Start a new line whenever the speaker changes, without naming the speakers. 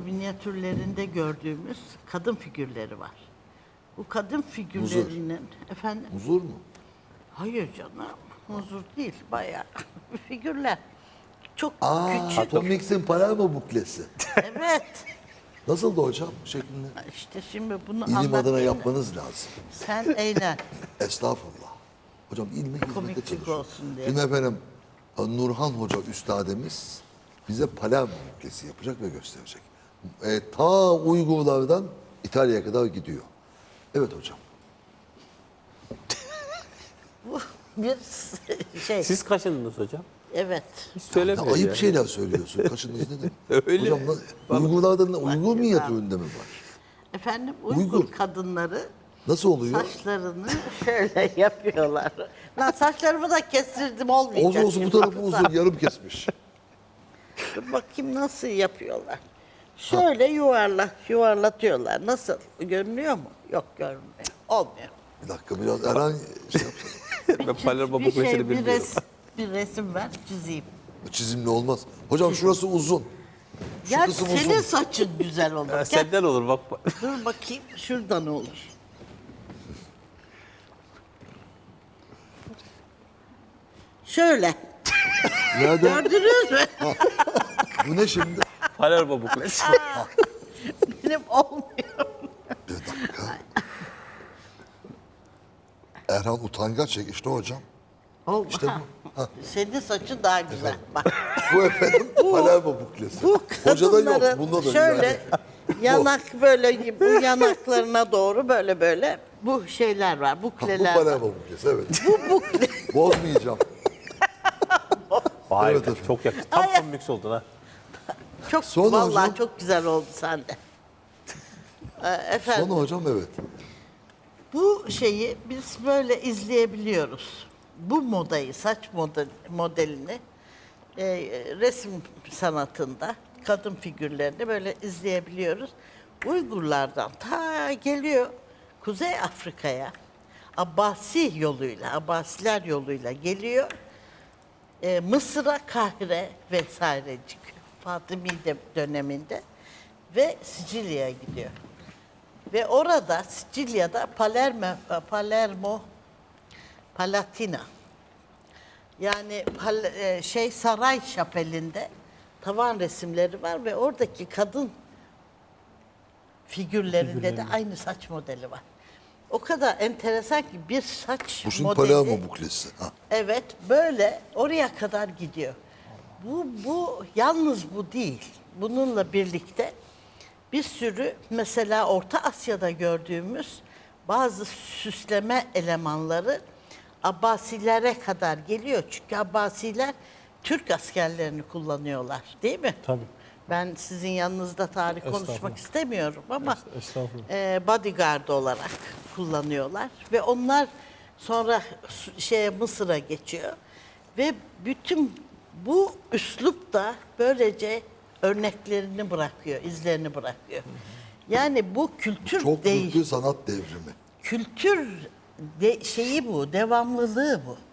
minyatürlerinde gördüğümüz kadın figürleri var. Bu kadın figürlerinin efendim.
Huzur mu?
Hayır canım, huzur değil, bayağı figürler. Çok küçük.
Atomix'in Palermo buklesi.
Evet.
Nasıldı hocam şeklinde?
İşte şimdi bunu
İlim adına
anlatayım.
yapmanız lazım.
Sen eğlen.
Estağfurullah. Hocam ilme hizmete
Komiklik
çalışıyor.
olsun diye.
Şimdi efendim Nurhan Hoca üstademiz bize Palermo buklesi yapacak ve gösterecek. Ta Uygurlardan İtalya'ya kadar gidiyor. Evet hocam.
Bu bir şey.
Siz kaçındınız hocam?
Evet.
Hiç
Ya
söylemiyor
ayıp
ya.
şeyler söylüyorsun. Kaçınız ne demek?
Öyle.
Hocam Uygurlardan Uygur minyatüründe mi var?
Efendim Uygur
Uygur.
kadınları
Nasıl oluyor?
saçlarını şöyle yapıyorlar. Lan saçlarımı da kestirdim olmayacak.
Olsun bu
şimdi.
tarafı uzun yarım kesmiş.
Dur bakayım nasıl yapıyorlar. Şöyle yuvarlatıyorlar. Nasıl? Görünüyor mu? Yok görünmüyor. Olmuyor.
Bir dakika biraz Erhan şey yapsana.
Ben Palermo
Bir
buklesini
şey,
bilmiyorum.
bir resim ver, çizeyim.
Çizimli olmaz. Hocam şurası uzun. Şu
Ya
kısım
senin
uzun.
saçın güzel olur.
Ha,
Gel,
senden olur bak.
dur bakayım şuradan olur. Şöyle.
Nereden?
Gördünüz mü?
Bu ne şimdi?
Palermo buklesi.
Benim olmuyor.
Bir dakika. Erhan utangaç işte hocam.
Olma.
İşte
Senin saçın daha güzel. Bak.
Bu efendim Palermo buklesi.
Bu
Hocada yok.
kadınların
Bunda da
şöyle
yani.
yanak böyle bu yanaklarına doğru böyle bu şeyler var.
Bu
Bukleler var.
Palermo buklesi evet.
Bu bukle.
Bozmayacağım.
Vay
Evet
be,
efendim.
çok yakıştı. Tam
Ay.
tam mix oldun ha.
Çok
Sonra
vallahi
hocam-
çok güzel oldu sende. Efendim.
Sonra hocam evet.
Bu şeyi biz böyle izleyebiliyoruz. Bu modayı, saç modelini resim sanatında kadın figürlerini böyle izleyebiliyoruz. Uygurlardan ta geliyor Kuzey Afrika'ya Abbasi yoluyla, Abbasiler yoluyla geliyor. Mısır'a, Kahire vesaire çıkıyor. Fatımi döneminde ve Sicilya'ya gidiyor. Ve orada Sicilya'da Palermo Palatina yani saray şapelinde tavan resimleri var ve oradaki kadın figürlerinde de aynı saç modeli var. O kadar enteresan ki bir saç
Bu şimdi
modeli.
Palermo buklesi. Ha.
Evet, böyle oraya kadar gidiyor. Bu yalnız bu değil. Bununla birlikte bir sürü mesela Orta Asya'da gördüğümüz bazı süsleme elemanları Abbasilere kadar geliyor. Çünkü Abbasiler Türk askerlerini kullanıyorlar, değil mi?
Tabii.
Ben sizin yanınızda tarih konuşmak
Estağfurullah.
istemiyorum ama
Estağfurullah.
bodyguard olarak kullanıyorlar ve onlar sonra Mısır'a geçiyor ve bütün bu üslup da böylece örneklerini bırakıyor, izlerini bırakıyor. Yani bu kültür
Çok büyük bir sanat devrimi.
kültür şeyi bu, devamlılığı bu.